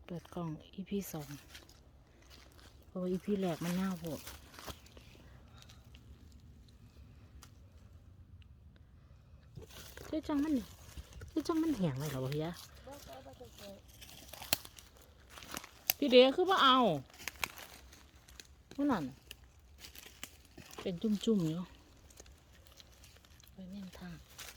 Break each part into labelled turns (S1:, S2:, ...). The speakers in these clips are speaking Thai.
S1: เปิดกล่อง EP 2เพราะว่า EP แรกมันน่าโหดคือจังมันแห้งเลยเหรอวะเฮียพี่เดียคือว่าเอานั่นเป็นจุ่มๆอยู่ไปแม่นทาง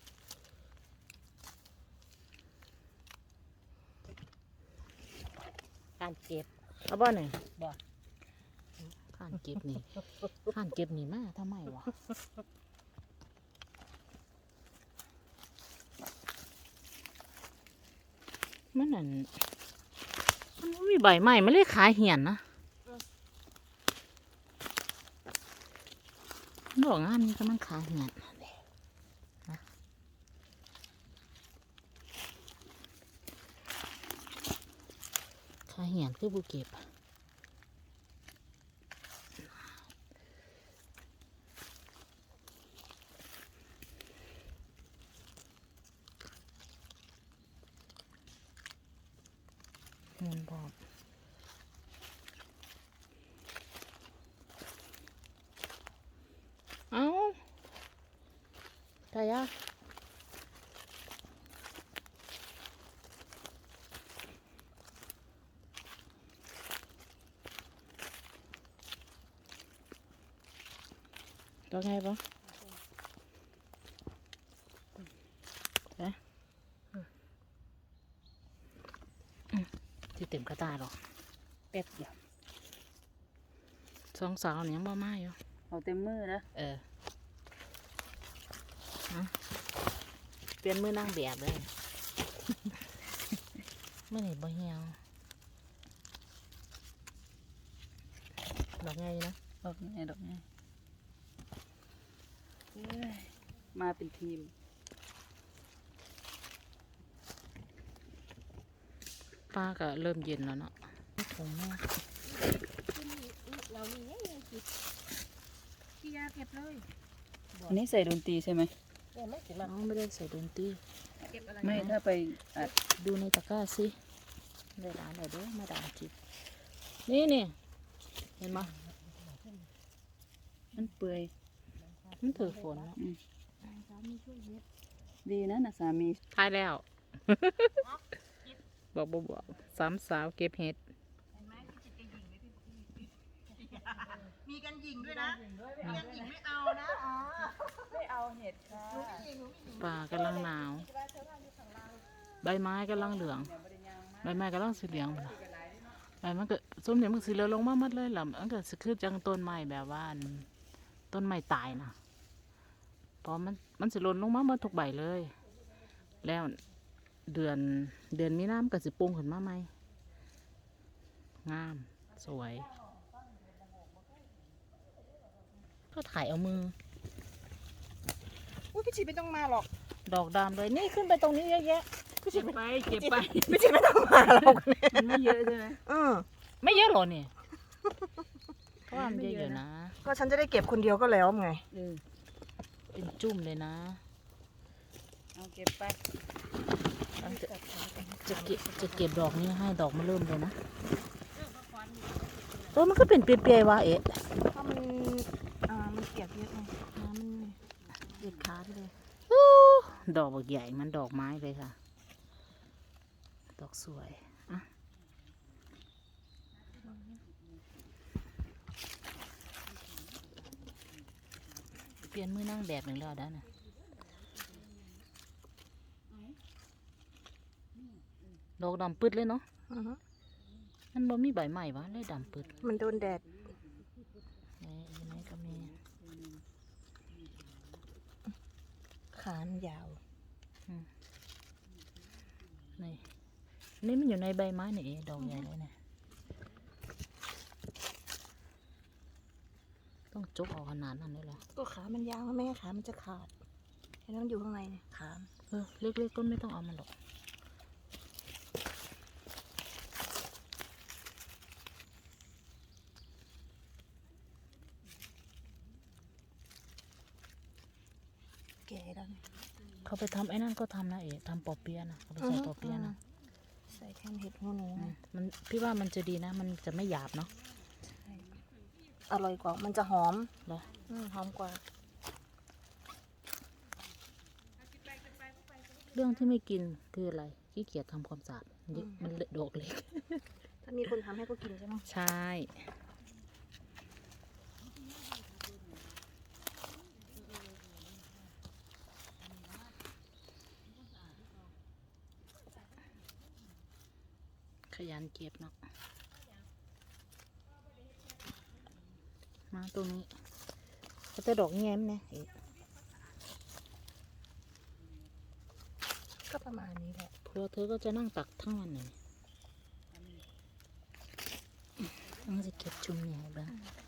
S1: การเก็บเอาบ่หน่อยบ่การเก็บนี่การเก็บนี่มาทำไมวะมันนั่นมันมีใบใหม่มันเลยขาเหี่ยนนะดอกงามนี่ก็มันขาเหี่ยนนะขาเหี่ยนคือบุเก็บเงินบอกเอาตายะตัวไงปะที่เต็มกระตาหรอแป๊บเดียวสองสาวเนี่ยยังบ่มาอยู่
S2: เอาเต็มมือนะ
S1: เปลี่ยนมือนั่งแบบเลย เมื่อไหร่บ่เหี่ยวดอกไงนะ
S2: ดอกไงมาเป็นทีม
S1: ป้าก็เริ่มเย็นแล้วเนาะถุงแม่
S3: เรามีเนี่ยพี่ยาเก็บเลย
S2: อันนี้ใส่ดนตรีใช่ไหม
S1: น้องไม่ได้ใส่ดนตรี
S2: ไม่ถ้าไปอัด
S1: ดูในตะกร้าสิได้ร้านไหนเด้อมาดามจิบนี่เห็นไหม
S2: มันเปื่อย
S1: มันถือฝนแล้ว
S2: ดีนะสามี
S1: ทายแล้ว บอกสามสาวเก็บเห็ด
S3: มีกันหญิงด้วยนะมีกันหญิงไม่เอานะ
S2: ไม่เอาเห็ดค่ะ
S1: ป่ากำลังหนาวใบไม้กำลังเหลืองใบไม้กำลังสีเหลืองใบมันก็ส้มเนี่ยมันสีเหลืองลงมาหมดเลยล่ะมันก็คือจังต้นไม้แบบว่าต้นไม้ตายนะเพราะมันสิหล่นลงมาหมดทุกใบเลยแล้วเดือนมีน้ำก็สิปรุงขึ้นมาใหม่งามสวยก็ถ่ายเอามือ
S3: พี่ชีไม่ต้องมาหรอก
S1: ดอกดำเลยนี่ขึ้นไปตรงนี้เยอะแยะ
S2: เก็บไป
S3: พี่ชีไม่ต้องมาหรอก
S2: มันไม่เยอะใช่ไหม
S1: ไม่เยอะหรอเนี่ยก็ว่ามันเยอะๆนะ
S3: ก็ฉันจะได้เก็บคนเดียวก็แล้วไง
S1: เป็นจุ่มเลยนะ
S2: เอาเก็บไป
S1: จะเก็บดอกนี้ให้ดอกมันเริ่มเลยนะมันก็เป็นเปรียๆวะ
S3: ถ้ามันเปียกเยอะไงน้ำมันเด็ดขาดเลย
S1: ดอกใหญ่มันดอกไม้เลยค่ะดอกสวยอ่ะเปลี่ยนมือนั่งแบบหนึ่งแล้วได้นะดอกดำปืดเลยเนาะมันบ่มีใบใหม่วะเลยดำปืด
S3: มันโดนแดด
S1: ไหนก็มี
S3: ขานยาว
S1: นี่มันอยู่ในใบไม้นี่ดอกใหญ่เลยเนี่ยต้องจกออกขนาดนั้นเลยเหรอ
S3: ก็ขามันยาวไม่งั้นขามันจะขาดแค่นั้นอยู่ข้างในเนี่ยขา
S1: เล็กๆก็ไม่ต้องเอามันหรอก
S3: แก่แล้ว
S1: เขาไปทำไอ้นั่นก็ทำนะทำปอเปี๊ยะนะเขาไปใส่ปอเปี๊ยะนะ
S3: ใส่แทแคนเห็ดหูหนู
S1: มันพี่ว่ามันจะดีนะ มันจะไม่หยาบเนาะ
S3: อร่อยกว่ามันจะหอม
S1: เหรอ
S3: หอมกว่า
S1: เรื่องที่ไม่กินคืออะไรขี้เกียจทำความสะอาดมันเลอะดอกเล็ก
S3: ถ้ามีคนทำให้ก็กินใช่ไหม
S1: ใช่ขยันเก็บเนาะมาตรงนี้ก็จะดอกแง้มเนี่ย
S3: ก็ประมาณนี้แหละ
S1: พวกเธอก็จะนั่งตักทั้งวันเลยต้องจะเก็บชุมใหญ่บ้าง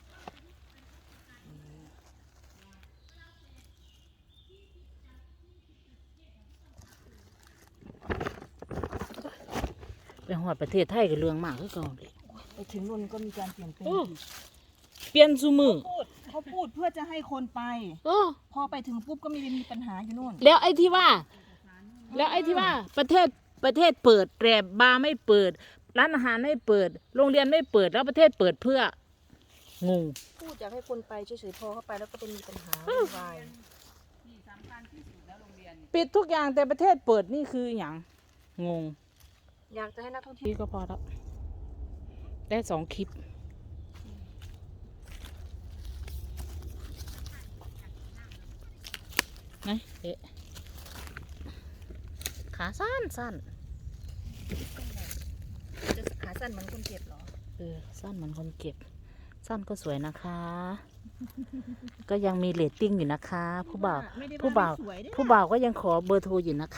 S1: ไปหอดประเทศไทยกับเรื่องมากคือเก่าเลย
S3: ไปถึงนู่นก็มีการเปลี่ยนแปลง
S1: เปลี่ยนซูมือ
S3: เขาพูดเพื่อจะให้คนไป
S1: โอ้
S3: พอไปถึงปุ๊บก็มีปัญหาอยู่นู่น
S1: แล้วไอ้ที่ว่าประเทศเปิดแรบบาร์ไม่เปิด ร้านอาหารไม่เปิด โรงเรียนไม่เปิดแล้วประเทศเปิดเพื่องง
S3: พูดอยากให้คนไปเฉยๆพอเข้าไปแล้วก็เป็นมีปัญหาวุ่นวาย
S2: ที่สำคัญที่สุดแล้วโรงเรียนเนี่ย
S1: ปิดทุกอย่างแต่ประเทศเปิดนี่คืออย่างงง
S3: อยากจะให้นักท่องเที่ยว
S1: นี่ก็พอแล้วได้2 คลิปนะเอ๊ะขาสั้น
S3: จะขาสั้นเหมือนคนเก็บเหรอ
S1: สั้นเหมือนคนเก็บ สั้นก็สวยนะคะ ก็ยังมีเรตติ้งอยู่นะคะ ผู้บ่าว
S3: ไม่ได้
S1: ผู้บ่าว
S3: สวยด้วย
S1: ผู้บ่าวก็ยังขอเบอร์โทรอยู่นะคะ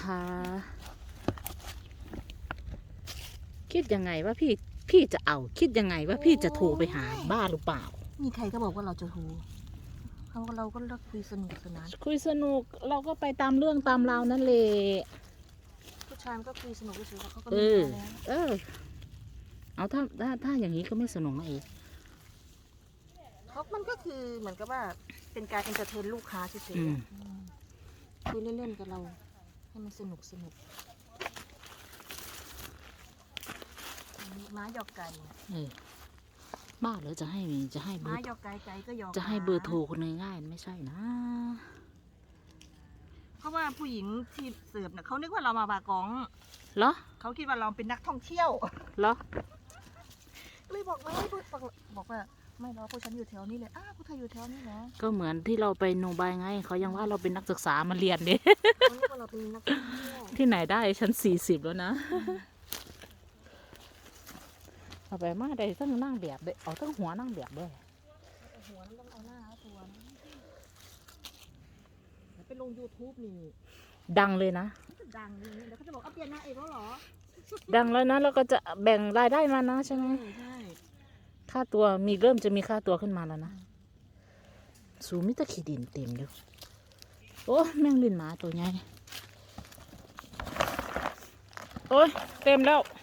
S1: คิดยังไงว่าพี่จะเอา คิดยังไงว่าพี่จะโทรไปหาบ้าหรือเปล่า
S3: มีใครก็บอกว่าเราจะโทรเราก็เลิกคุยสนุกสนาน
S1: คุยสนุกเราก็ไปตามเรื่องตามราวนั่นแหละ
S3: ผู้ชายมันก็คุยสนุกเฉยๆเขาก็
S1: เอ
S3: มี
S1: อ
S3: แล้ว
S1: เอาถ้าอย่างนี้ก็ไม่สนุกนะเอง
S3: เขามันก็คือเหมือนกับว่าเป็นการเอนเตอร์เทนลูกค้าเฉย
S1: อืม
S3: ๆคุยเล่นๆกับเราให้มันสนุกม้าหยอกไก่เนี่ย
S1: บ้าเหรือจะให้เบอ
S3: ม้า
S1: ร์
S3: หยอกไก่ไก่ก็หยอก
S1: จะให้
S3: ม้า
S1: เบอร์โทรคนง่ายๆไม่ใช่นะ
S3: เพราะว่าผู้หญิงที่เสิร์ฟเนี่ยเขานึกว่าเรามาบากอง
S1: เหรอ
S3: เขาคิดว่าเราเป็นนักท่องเที่ยว
S1: เหรอ
S3: เลยบอกว่าบอกว่าไม่หรอกพวกฉันอยู่แถวนี้เลยพวกเธออยู่แถวนี้เหรอ
S1: ก็เหมือนที่เราไปโนบายไงเขายังว่าเราเป็นนักศึกษามาเรียนเด้
S3: เขานึกว่าเราเป็นนักท่องเที่ยว
S1: ที่ไหนได้ฉัน40แล้วนะเอาไปมาได้ทั้งนั่งแบบด้วยเอาทั้งหัวนั่งแบบด้วย
S3: แต่หัวมันต้องเอาหน้าเอาตัวนะแล้วไปลง YouTube นี่
S1: ดังเลยนะ
S3: มันจะดังเลยเดี๋ยวเขาจะบอกเอาเปลี่ยนนางเอกแล้วเหรอ
S1: ดังแล้วนะแล้วก็จะแบ่งรายได้มานะใช่ไหม
S3: ใช่
S1: ค่าตัวเริ่มจะมีค่าตัวขึ้นมาแล้วนะสูมิตะขีดินเต็มอยู่โอ้แม่งลินหมาตัวใหญ่โอ้ยเต็มแล้ว